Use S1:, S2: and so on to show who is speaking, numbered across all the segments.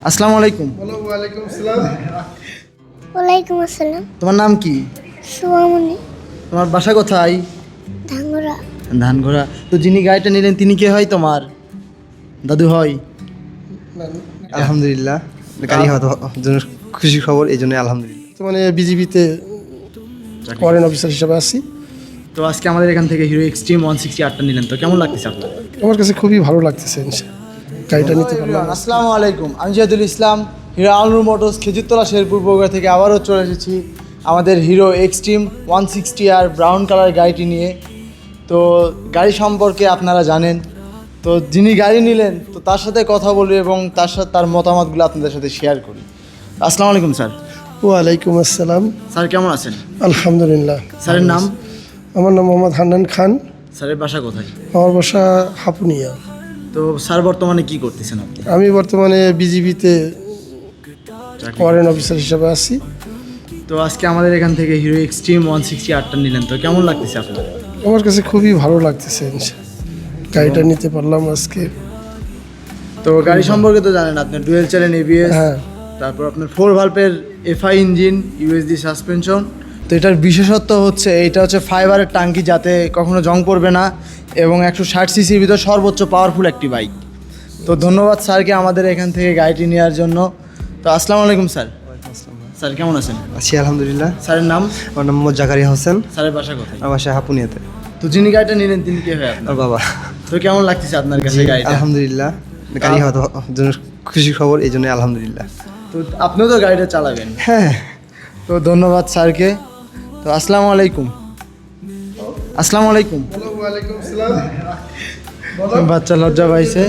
S1: আসসালামু আলাইকুম।
S2: ওয়ালাইকুম আসসালাম।
S3: ওয়ালাইকুম আসসালাম।
S1: তোমার নাম কি?
S3: সুয়ামনি।
S1: তোমার বাসা কোথায়?
S3: ধাঙ্গরা।
S1: ধানঘোড়া। তো যিনি গাড়িটা নিলেন তিনি কে হয় তোমার? দাদু হয়?
S4: আলহামদুলিল্লাহ, গাড়ি হওয়া জন্য খুশি খবর, এই জন্য আলহামদুলিল্লাহ।
S2: বর্তমানে বিজিবিতে ফরেন অফিসার হিসেবে আছি।
S1: তো আজকে আমাদের এখান থেকে হিরো এক্সট্রিম 160 নিলেন, তো কেমন লাগতেছে আপনার?
S2: আমার কাছে খুবই ভালো লাগতেছে গাড়িটা নিতে পারলাম।
S1: আসসালামু আলাইকুম, আমি জিয়াদুল ইসলাম, হিরো আলনুর মোটরস খেজুরতলা শেরপুর বগুড়া থেকে আবারও চলে এসেছি আমাদের হিরো এক্সট্রিম 160 আর ব্রাউন কালার গাড়িটি নিয়ে। তো গাড়ি সম্পর্কে আপনারা জানেন, তো যিনি গাড়ি নিলেন তো তার সাথে কথা বলি এবং তার মতামতগুলো আপনাদের সাথে শেয়ার করি। আসসালামু আলাইকুম স্যার।
S2: ওয়ালাইকুম আসসালাম।
S1: স্যার কেমন আছেন?
S2: আলহামদুলিল্লাহ।
S1: স্যারের নাম?
S2: আমার নাম মোহাম্মদ হান্নান খান।
S1: স্যারের বাসা কোথায়?
S2: আমার বাসা হাপুনিয়া।
S1: তো স্যার বর্তমানে কি করতেছেন আপনি?
S2: আমি বর্তমানে বিজিবিতে ফরেন অফিসার হিসেবে আছি।
S1: তো আজকে আমাদের এখান থেকে হিরো এক্সট্রিম 160 নিলেন, তো কেমন লাগতেছে আপনার?
S2: আমার কাছে খুবই ভালো লাগতেছে গাড়িটা নিতে পারলাম আজকে।
S1: তো গাড়ি সম্পর্কে তো জানেন আপনি, ডুয়েল চ্যানেল এবিএস,
S2: হ্যাঁ।
S1: তারপর আপনার 4 ভালভের এফআই ইঞ্জিন, ইউএসডি সাসপেনশন। তো এটার বিশেষত্ব হচ্ছে এটা হচ্ছে ফাইবারের টাঙ্কি, যাতে কখনো জং পড়বে না, এবং 160 সিসির ভিতর সর্বোচ্চ পাওয়ারফুল একটি বাইক। তো ধন্যবাদ স্যারকে আমাদের এখান থেকে গাড়িটি নেওয়ার জন্য। তো আসসালামু আলাইকুম স্যার। স্যার কেমন আছেন?
S4: আছি আলহামদুলিল্লাহ।
S1: স্যারের নাম?
S4: আমার নাম মোহাম্মদ জাকারিয়া হোসেন।
S1: স্যারের বাসা কোথায়?
S4: আমার বাসা হাপুনিয়াতে।
S1: তো যিনি গাড়িটা নিলেন তিনি কে হয় আপনার?
S4: আর বাবা।
S1: তো কেমন লাগতেছে আপনার কাছে গাড়িটা?
S4: আলহামদুলিল্লাহ, গাড়ি হওয়া জন্য খুশি খবর, এই জন্য আলহামদুলিল্লাহ।
S1: তো আপনিও তো গাড়িটা চালাবেন।
S4: হ্যাঁ।
S1: তো ধন্যবাদ স্যারকে। তো আসসালামু আলাইকুম। আসসালামু আলাইকুম।
S2: ওয়ালাইকুম আসসালাম।
S1: বাচ্চা লজ্জা পাইছে।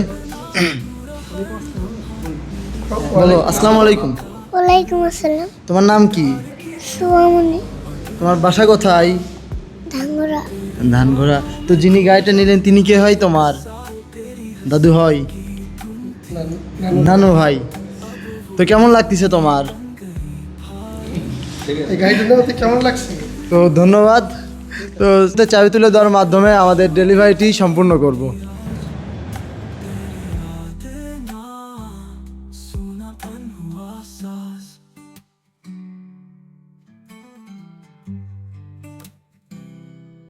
S1: বলো আসসালামু আলাইকুম।
S3: ওয়ালাইকুম আসসালাম।
S1: তোমার নাম কি?
S3: সুয়ামনি।
S1: তোমার বাসা কোথায়?
S3: ধাঙ্গরা।
S1: ধানঘোড়া। তো যিনি গাড়িটা নিলেন তিনি কে হয় তোমার? দাদু হয়? নানু ভাই। তো কেমন লাগতেছে তোমার?
S2: এই গাড়িটা নেওয়াতে কেমন লাগছে?
S1: তো ধন্যবাদ। তো চাবি তুলে দেওয়ার মাধ্যমে আমাদের ডেলিভারিটি সম্পূর্ণ করব।